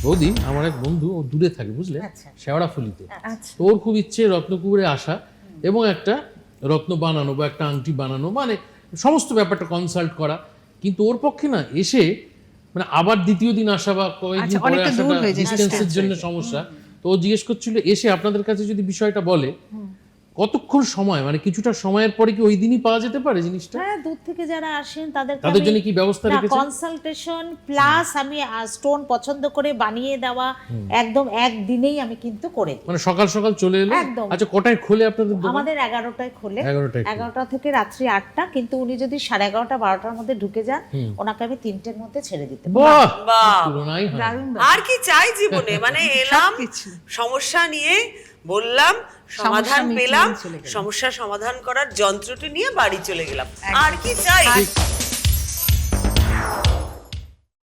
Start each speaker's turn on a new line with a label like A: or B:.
A: বৌদি আমার এক বন্ধু ও দূরে থাকে বুঝলে, শেওড়াফুলিতে। তো ওর খুব ইচ্ছে রত্নকুবেরে আসা এবং একটা রত্ন বানানো বা একটা আংটি বানানো, মানে সমস্ত ব্যাপারটা কনসাল্ট করা। কিন্তু ওর পক্ষে না এসে মানে আবার দ্বিতীয় দিন আসা বা কয়েকদিন পরে আসাটা ডিস্টেন্সের জন্য সমস্যা। তো ও জিজ্ঞেস করছিল এসে আপনাদের কাছে যদি বিষয়টা বলে কতক্ষণ সময়, মানে কিছুটা সময়ের পরে কি ওই দিনই পাওয়া যেতে পারে জিনিসটা?
B: হ্যাঁ, দূর থেকে যারা আসেন
A: তাদের জন্য কি ব্যবস্থা রেখেছেন?
B: কনসালটেশন প্লাস আমি স্টোন পছন্দ করে বানিয়ে দেওয়া একদম একদিনেই আমি কিন্তু করে দিই।
A: মানে সকাল সকাল চলে এলো।
B: একদম।
A: আচ্ছা, কটায় খোলে আপনাদের দোকান?
B: আমাদের 11টায় খোলে,
A: 11টায়
B: 11টা থেকে রাত্রি 8টা। কিন্তু উনি যদি 11:30 12টার মধ্যে ঢুকে যান, ওনাকে আমি 3টের মধ্যে ছেড়ে দিতে পারি।
A: বাহ,
C: বাহ,
A: তুলনাই হয় না।
C: আর কি চাই জীবনে? মানে এলাম, সমস্যা নিয়ে বললাম, সমাধান পেলাম, সমস্যা সমাধান করার যন্ত্রটি নিয়ে বাড়ি চলে গেলাম, আর কি চাই?